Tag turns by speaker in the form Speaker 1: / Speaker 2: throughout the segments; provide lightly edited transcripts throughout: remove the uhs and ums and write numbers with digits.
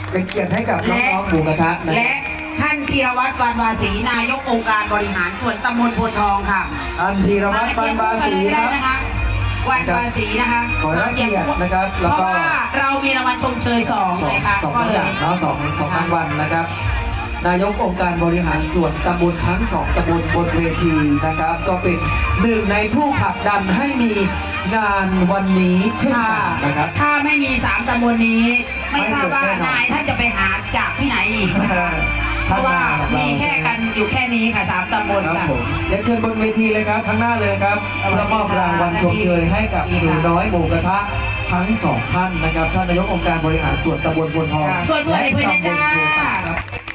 Speaker 1: เป็นเกียรติให้กับน้องๆหมูกระทะนะ
Speaker 2: และท่านธีรวัตร วานวาสีนายกองค์การบริหารส่วนตำบลโพธิ์ทองค่ะ
Speaker 1: อันธีรวัตร ปานบาสีครับ
Speaker 2: วานวาสีนะคะ
Speaker 1: ขอรับเกียรตินะครับแล้วก็
Speaker 2: เพราะว่าเรามีรางวัลชมเชย2เลยค่ะ
Speaker 1: สองอย่างเนาะสองรางวัลนะครับนายกองค์การบริหารส่วนตำบลทั้ง2ตำบลบนเวทีนะครับก็เป็นหนึ่งในผู้ผลักดันให้มีงานวันนี้เช่นกันนะครับ
Speaker 2: ถ้าไม่มี3ตำบลนี้ไม่ทราบว่านายท่านจะไปหาจากที่ไหนอีกเพราะว่ามีแค่กันอยู่แค่นี้ค่ะ3ตำบลค่ะ
Speaker 1: เดี๋ยวเชิญบนเวทีเลยครับข้างหน้าเลยครับแล้วมอบรางวัลชมเชยให้กับหนูน้อยหมูกระทะทั้ง2ท่านนะครับท่านนายกองค์การบริหารส่วนตำบลโพธิ์ทอง
Speaker 2: และตำบลโพธิ์ทองครับ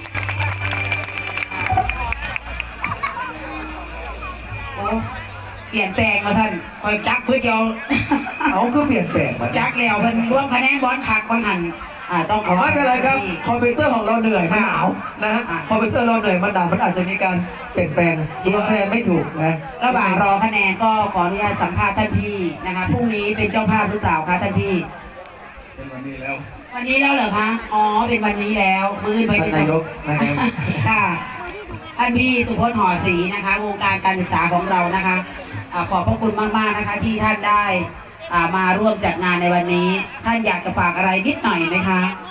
Speaker 2: เปลี่ยนแปลงมาสั่นคอยจักเพื่อเดียว
Speaker 1: เอาก็เปลี่ยนแปลงมา
Speaker 2: จักแล้วมันร่วมคะแนนบอลขักบอลหันต้อง
Speaker 1: ไม่เป็นไรครับคอมพิวเตอร์ของเราเหนื่อยมันหนาวนะฮะคอมพิวเตอร์เราเหนื่อยมันหนาวมันอาจจะมีการเปลี่ยนแปลงรวมคะแนนไม่ถูกนะ
Speaker 2: ระหว่างรอคะแนนก็ขออนุญาตสัมภาษณ์ท่านพี่นะคะพรุ่งนี้เป็นเจ้าภาพหรือเปล่าคะท่านพี่
Speaker 1: เป็นวันนี้แล้ว
Speaker 2: เหรอคะอ๋อเป็นวันนี้แล้วมือไป
Speaker 1: ท่านนายกนะครับ
Speaker 2: ค่ะท่านพี่สุพจน์ ห่อศรีนะคะวงการการศึกษาของเรานะคะขอบพระคุณมากๆนะคะที่ท่านได้มาร่วมจัดงานในวันนี้ท่านอยากจะฝากอะไรนิดหน่อยไหมคะ